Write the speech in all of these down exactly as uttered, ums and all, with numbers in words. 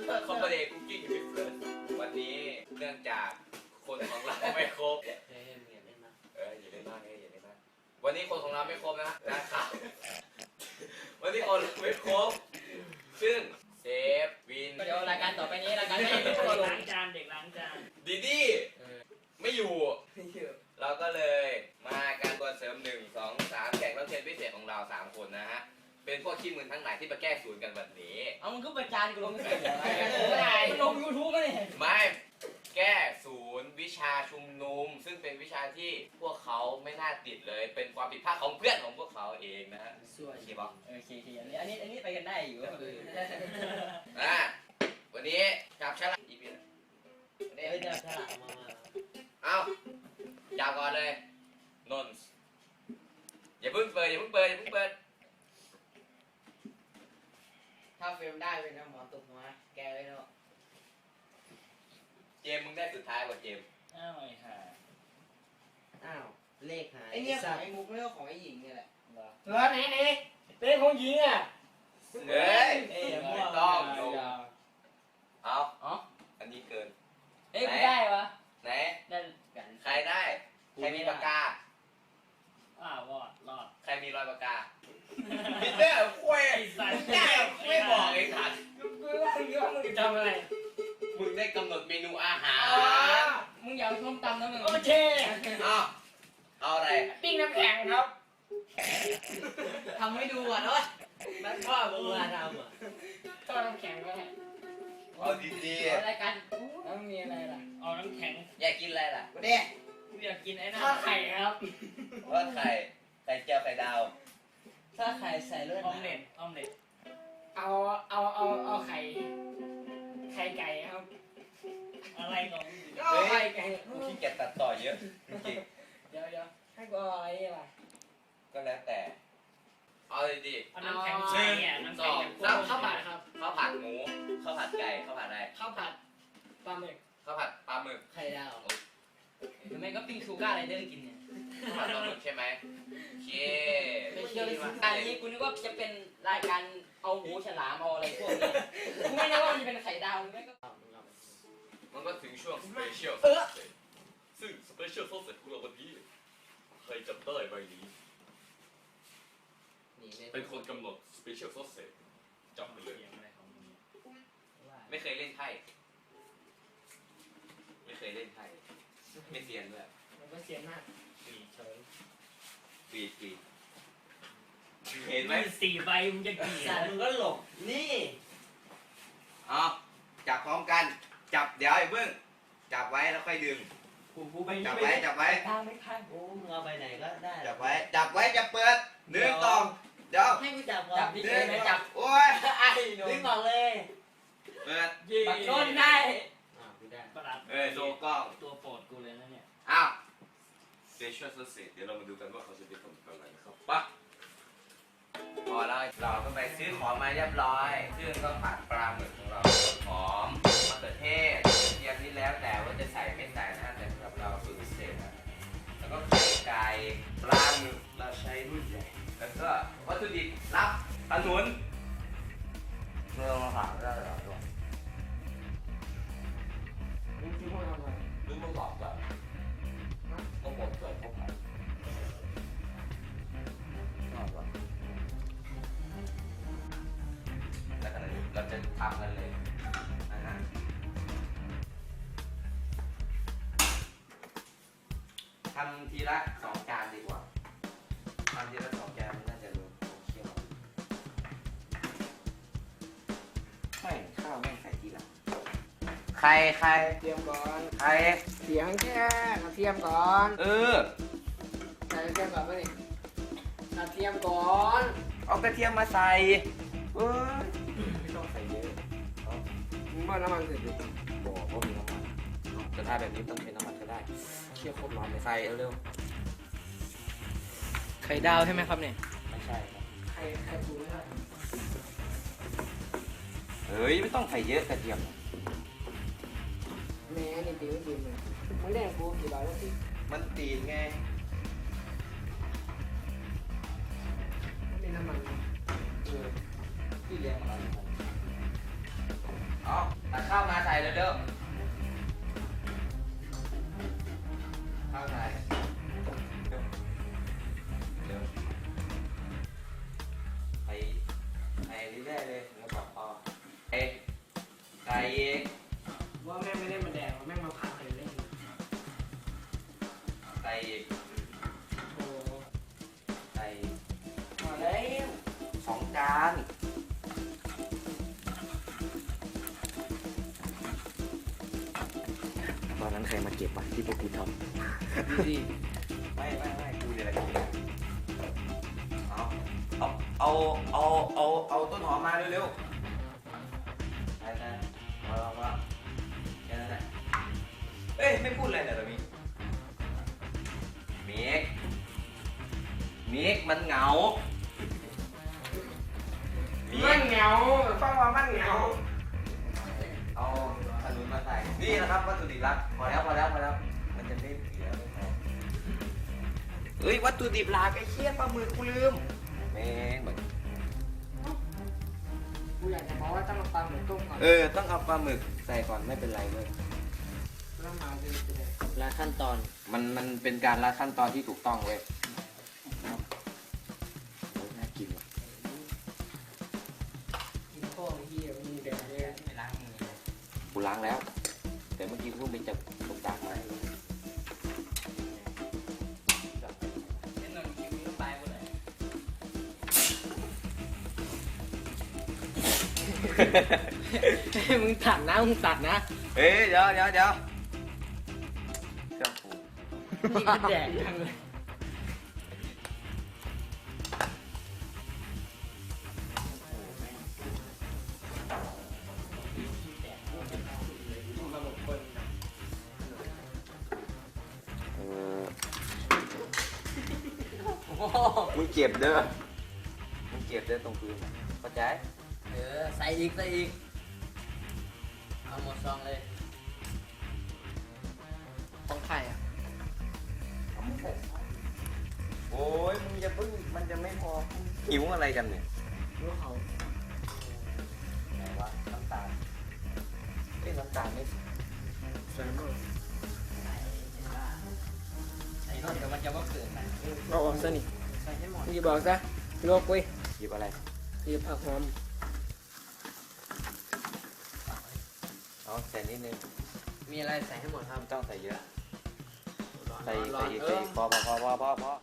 คอมเบเดคุกกิ้งวิฟเฟิร์สวันนี้เนื่องจากคนของเราไม่ครบเอออย่าเล่นมากเอออย่าเล่นมากอย่าเล่นมากวันนี้คนของเราไม่ครบนะนะครับวันนี้คนไม่ครบซึ่งเซฟวินเดี๋ยวรายการต่อไปนี้รายการไม่มีคนลงล้างจานเด็กล้างจานดีดี้ไม่อยู่เราก็เลยมาการตัวเสริมหนึ่งสองสามแขกรับเชิญพิเศษของเราสามคนนะฮะเป็นพวกขี้มือทั้งหลายที่มาแก้ศูนย์กันวันนี้เอามึงก็ประจานกูลงเสียงอะไรมันลงยูทูบก็เนี่ยไม่แก้ศูนย์วิชาชุมนุมซึ่งเป็นวิชาที่พวกเขาไม่น่าติดเลยเป็นความผิดพลาดของเพื่อนของพวกเขาเองนะฮะสวยโอเคปะโอเคอันนี้อันนี้อันนี้ไปกันได้อยู่อ่ะวันนี้จับฉลากอีพีนะเดี๋ยวจะฉลาดมาเอาจับก่อนเลยนนท์อย่าเพิ่งเปิดอย่าเพิ่งเปิดอย่าเพิ่งเปิดถ้าเฟรมได้เป็นน้ำหมอตุกหัวแกเลยเนาะเจมมึงได้สุดท้ายกว่าเจมอ้าวไอ้ห่าอ้าวเลขหายไอเนี่ยของไอ้มุกไม่ใช่ของไอ้หญิงเนี่ยแหละเหรอไหนไหนเป็นของหญิงอ่ะเฮ้ยเอ้ยไม่ต้องลงอย่าเอาอ๋ออันนี้เกินเอ้ยได้ปะไหนได้กันใครได้ใครมีปากกาอ้าวรอดรอดใครมีรอยปากกาพีเตอร์คุยไอ้สัตว์ได้ไม่บอกไอ้สัตว์กูว่าเยอะมึงจะทำอะไรมึงได้กำหนดเมนูอาหารมึงอย่าส้มตำนะมึงโอเคเอาเอาอะไรปิ้งน้ำแข็งครับทำให้ดูอ่ะเนาะนั่นพ่อมึงมาทำอ่ะก็น้ำแข็งก็ได้เอาดีรายการแล้วมีอะไรล่ะเอาน้ำแข็งๆอยากกินอะไรล่ะเด็กกูอยากกินไอ้นั่นไข่ครับว่าไข่ไข่เจียวไข่ดาวถ้าไข่ใส่เลือดออมเล็ตออมเล็ตเอาเอาเอาเอาไข่ไข่ไก่ครับอะไรของก็ไข่ไก่กูขี้เกียจตัดต่อเยอะจริงเดี๋ยวเดี๋ยวให้กูเอาอะไรล่ะๆก็แล้วแต่เอาดีเอาน้ำแข็งๆใส่เนี่ยน้ำแข็งข้าวข้าวผัดครับข้าวผัดหมูข้าวผัดไก่ข้าวผัดอะไรข้าวผัดปลาหมึกข้าวผัดปลาหมึกไข่ดาวหรือไม่ก็ปิ้งชูการ์ไรเดอร์กินเนี่ยข้าวผัดปลาหมึกใช่ไหมโอเคไม่เชื่อเลยอันนี้กูนึกว่าจะเป็นรายการเอาหูฉลามเอาอะไรพวกนี้กูไม่ได้ว่ามันจะเป็นไข่ดาวหรือไม่ก็มันก็ถึงช่วงสเปเชียลซึ่งสเปเชียลโซเสร็จของเราวันนี้ใครจำได้ใบนี้เป็นคนกำหนดสเปเชียลโซเสร็จจับไปเลยเสียงอะไรของมึงเนี่ยไม่เคยเล่นไพ่ไม่เคยเล่นไพ่ไม่เซียนด้วยมันก็เสียมากสี่เฉยปีปีเห็นไหมมีสี่ใบมึงจะกี่สัตว์มึงก็หลบนี่เอาจับพร้อมกันจับเดี๋ยวไอ้เบิ้งจับไว้แล้วค่อยดึงกูกูไปจับไว้จับไว้ทางไม่ทางกูมึงเอาไปไหนก็ได้จับไว้จับไว้จะเปิดหนึ่งสองเดี๋ยวให้กูจับก่อนจับดิหนึ่งไม่จับโอ้ยไอ้ดึงออกเลยเปิดยี่บักโดนได้อ่ากูได้ประหลัดเออโชว์กล้องตัวโปรดกูเลยนะเนี่ยอ้าวสเปเชียลโซเสร็จเดี๋ยวเรามาดูกันว่าเขาจะเป็นคนอะไรนะครับปะพอแล้วเราก็ไปซื้อของมาเรียบร้อยซึ่งก็ผัดปลาหมึกของเราหอมมะเขือเทศเทียมนี่แล้วแต่ว่าจะใส่ไม่ใส่นะแต่สำหรับเราสูตรพิเศษนะแล้วก็ไข่ไก่ปลาหมึกเราใช้รุ่นใหญ่แล้วก็วัตถุดิบรับขนุนเมื่อมาผ่านได้หรอตัวมึงคิดว่าทำไมนึกมาบอกก่อนก็บอกเกิดพวกมันแล้วขณะนี้เราจะทำกันเลยนะฮะทำทีละสองจานดีกว่าทำทีละสองจานมันน่าจะรู้เคี่ยวไม่ข้าวไม่ใส่ทีหลังใครใครเตรียมก่อนใครเสียงแค่กระเทียมก่อนเออใส่กระเทียมก่อนป่ะนี่กระเทียมก่อนเอากระเทียมมาใส่เออไม่ต้องใส่เยอะมึงว่าน้ำมันเสร็จดิบอกว่ามีน้ำมันจะได้แบบนี้ต้องเป็นน้ำมันก็ได้เคี่ยวโคตรร้อนเลยใส่เร็วไข่ดาวใช่ไหมครับเนี่ยๆไม่ใช่ครับไข่ไข่ปูไม่ได้เฮ้ยไม่ต้องใส่เยอะกระเทียมแม่นี่ตีไม่ตีเลยมึงแดงกูกี่บาทแล้วพี่มันตีนไงไม่มีน้ำมันเออที่เลี้ยงอะไรอ๋อเร็วๆเข้าถ่ายเร็วเร็วไปไปเรื่อยๆเลยแล้วบอกพอไปไก่อีกว่าแม่งไม่ได้มาแดกว่าแม่งมาพาใครเล่นไก่อีกโอ้ไก่มาแล้วสองจานตอนนั้นใครมาเก็บวะที่พวกกูทดูดิไม่ไม่ไม่กูเนี่ยแหละกูเนี่ยเอาเอาเอาเอาเอาเอาต้นหอมมาเร็วๆไปไปมามามาแค่นั้นแหละเอ้ยไม่พูดอะไรเลยเหรอมีเมกเมกมันเหงาเมมันกเหงาฟังว่ามันเหงาเอาขนุนมาใส่นี่นะครับวัตถุดิบลับพอแล้วพอแล้วพอแล้วมันจะไม่เสียไม่พอเฮ้ยวัตถุดิบหลักไอ้เชี่ยปลาหมึกกูลืมแม่งแบบกูอยากจะบอกว่าต้องมาปลาเหมือนต้มก่อนเออ ต้องเอาปลาหมึกใส่ก่อนไม่เป็นไรเลยแล้วมาจะจะได้และขั้นตอนมันมันเป็นการละขั้นตอนที่ถูกต้องเว้ยำโอ้ยน่ากินว่ะกินข้าวเหี้ยมีแดกเลยไม่ล้างมือเลยกูล้างแล้ว แต่เมื่อกี้กูเพิ่งไปจับตกจากมาเล่นหน่อยคิวนี้ก็ไปหมดเลยมึงตัดนะมึงตัดนะเอ้ยเดี๋ยวเดี๋ยวเดี๋ยวเครื่องปรุงนี่ก็แดกยังเลยมาหมดคนเออโอ้โหมึงเก็บเด้อมึงเก็บเด้อตรงพื้นน่ะเข้าใจเออใส่อีกใส่อีกเอาหมดซองเลยของใครอ่ะโอ้ยมึงจะเพิ่งมันจะไม่พอหิวอะไรกันเนี่ยรู้เขาไหนวะน้ำตาลเอ้ยน้ำตาลไม่ใส่หมดใส่รถเดี๋ยวมันจะว่าเกิดนะเอาออกซะนี่ใส่ให้หมดมึงจะบอกซะโลกเว้ยหยิบอะไรหยิบผักหอมเอาใส่นิดนึงมีอะไรใส่ให้หมดครับไม่ต้องใส่เยอะ ใส่ร้ใส่อนอีกเอใส่ออีกพอพอพอพอพอพอ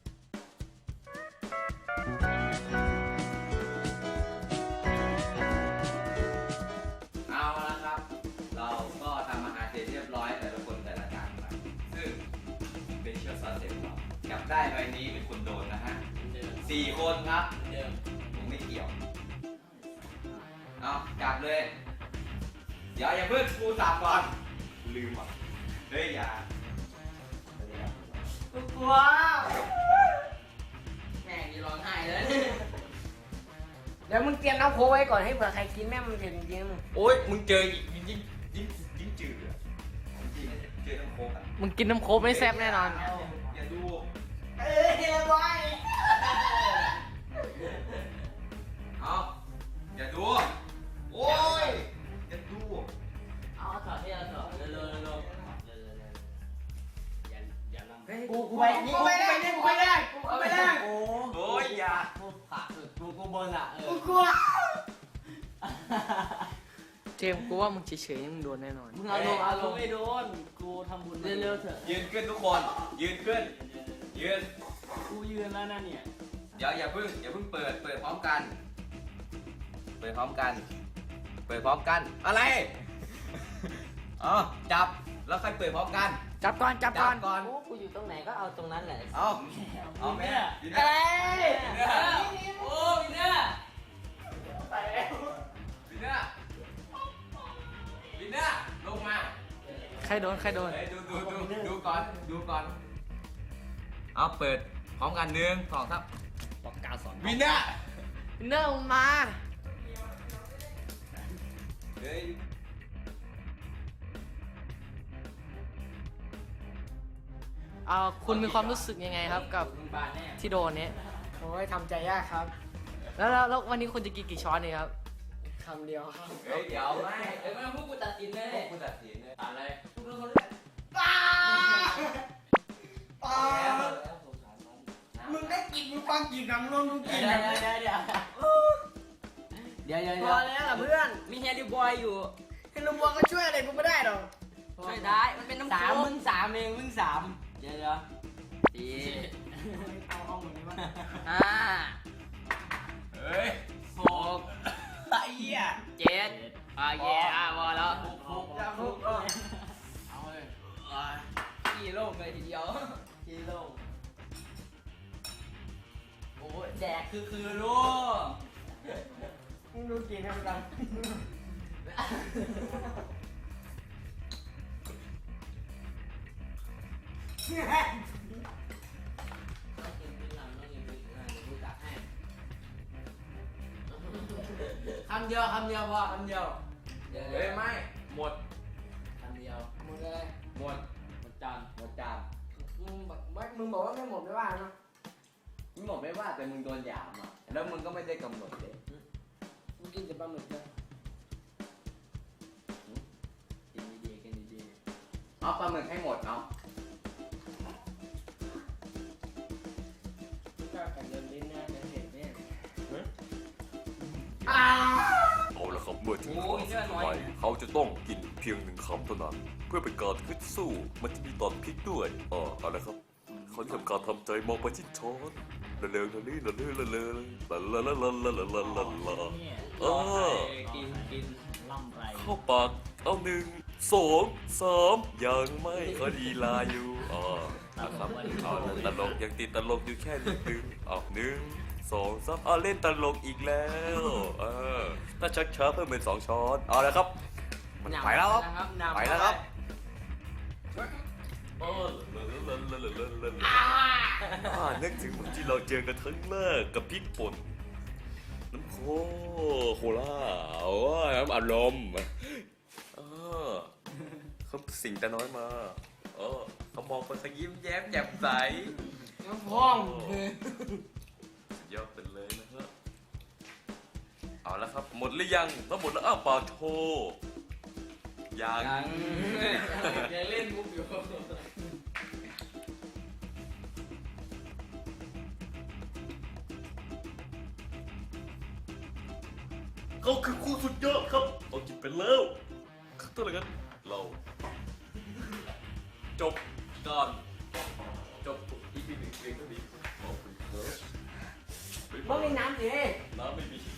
เอาละครับ เราก็ทำอาหารเสร็จเรียบร้อยแต่ละคนแต่ละจานไปซึ่งเป็นเชื้อซอสเสร็จเราจับได้ใบนี้เป็นคนโดนนะฮะเดิมสี่คนครับเดิมผมไม่เกี่ยว เอาจับเลย เดี๋ยวอย่าเพิ่งกูจับก่อนกูลืมอ่ะเฮ้ยอย่ากูกลัวแม่งนี่ร้องไห้เลยเดี๋ยวมึงเตรียมน้ำโค้กไว้ก่อนให้เผื่อใครกินแม่งมันเผ็ดจริงโอ๊ยมึงเจอยิ่งยิ่งยิ่งยิ่งจืดอ่ะจริงๆเจอน้ำโคกอ่ะมึงกินน้ำโค้กไม่แซ่บแน่นอนอย่าดูเอ้ยไว้เอาอย่าดู โอ๊ยอย่าดูเอาถอดที่เราถอดเร็วๆเร็วๆเร็วๆเร็วๆอย่าอย่าลำกูกูไปนี่กูไปได้กูไปได้กูไปได้โอ้โอ๊ยอย่ากูขาสุดกูกูบนอ่ะเอกูอกลัวเจมส์กูว่ามึงเฉยๆมึงโดนแน่นอนมึงเอาลงเอาลงไม่โดน กูทำบุญเร็วๆเถอะยืนขึ้นทุกคน ยืนขึ้น ยืนกูยืนแล้วนะเนี่ยเดี๋ยวอย่าเพิ่งอย่าเพิ่งเปิด เปิดพร้อมกัน เปิดพร้อมกัน เปิดพร้อมกัน อะไร อ๋อจับ แล้วค่อยเปิดพร้อมกันจับก่อนจับก่อนก่อนโอ้กูอยู่ตรงไหนก็เอาตรงนั้นแหละเอาเอาแม่ยืนเอ้เนี่ยยโอ้ยเนี่ยวินเนอร์วินเนอร์ลงมาใครโดนใครโดนเฮ้ยดูดูดูดูก่อนดูก่อน เอาเปิดพร้อมกันหนึ่งสองสามปากกาสอนวินเนอร์เนื่องมาเฮ้ยเอาคุณมีความรู้สึกยังไงครับกับมึงบานแน่ที่โดนเนี้ยโอ้ยทำใจยากครับ แล้วแล้วแล้ววันนี้คุณจะกินกี่ช้อนเนี่ยครับคำเดียวครับเฮ้ยเดี๋ยวไม่เดี๋ยวไม่ต้องพูดกูตัดสินเลยผู้ตัดสินเลยอะไรมึงเป็นคนเลือกป้าป้าแล้วสงสารมันมึงได้กินมึงฟังกินน้ำนมมึงกินเดี๋ยวนะเดี๋ยวเดี๋ยวเดี๋ยวเดี๋ยวเดี๋ยวพอแล้วล่ะเพื่อนมีแฮร์รี่บอยอยู่เฮลโลบัวก็ช่วยอะไรกูไม่ได้หรอกช่วยได้มันเป็นน้ำสามโค้กมึงสามเองมึงสามเดี๋ยวเดี๋ยวสี่เอาเอาเหมือนนี้วะห้าเฮ้ยหกไอ้เหี้ยเจ็ดอ่ะเย่อ่ะพอแล้วฟุกจะฟุกเออเอาเลยกี่โลกเลยทีเดียวกิโลโอ้ยแดกคือคือลูกมึงดูกินให้มันกันคำเดียวคำเดียวพอคำเดียวเดี๋ยวเฮ้ยไม่หมดคำเดียวหมดเลยหมดหมดจานหมดจานมึงบอกว่ามึงบอกว่าไม่หมดไม่ว่านะมึงบอกไม่ว่าแต่มึงโดนหยามอ่ะแล้วมึงก็ไม่ได้กำหนดเลยมึงกินแต่ปลาหมึกเลยกินดีๆกินดีเอาปลาหมึกให้หมดเนาะก็กันเดินลิ้นนะเดินเห็นเนี่ยเอาละครับเมื่อถึงครั้งสุดท้ายเขาจะต้องกินเพียงหนึ่งคำเท่านั้น เพื่อเป็นการขึ้นสู้ มันจะมีตอนพลิกด้วยอ่าเอาละครับเขาจะทำการทำใจมองไปที่ช้อนละเลงละลี่ละเลื่อละเลงละละละละละละละละละอ่ากินกินล่ำไรเข้าปากเอาหนึ่งสองสามยังไม่เขาดีลาอยู่อ่านะครับเอาละตลกยังติดตลกอยู่แค่นิดนึงเอาหนึ่งสองสามเอาเล่นตลกอีกแล้วเออถ้าชักช้าเพิ่มเป็นสองช้อนเอาละครับ มันไปแล้วครับนะครับไปแล้วครับเออเลอะเลอะเลอะเลอะเลอะเลอะอ่านึกถึงวันที่เราเจอกันครั้งแรกกับพริกป่นน้ำโคโคล่าโอ้ยน้ำอารมณ์เออเขาสิ่งแต่น้อยมาเออเขามองไปเขายิ้มแย้มแจ่มใสน้ำพองสุดยอดไปเลยนะฮะเอาละครับหมดหรือยังถ้าหมดแล้วอ้าวเปล่าโชว์ยังยังยังเล่นมุกอยู่เขาคือคู่สุดยอดครับเอากินไปแล้วคือตัวอะไรกันเรา จบการจบอีพีหนึ่งเพียงเท่านี้ขอบคุณครับมึงมีน้ำสิน้ำไม่มี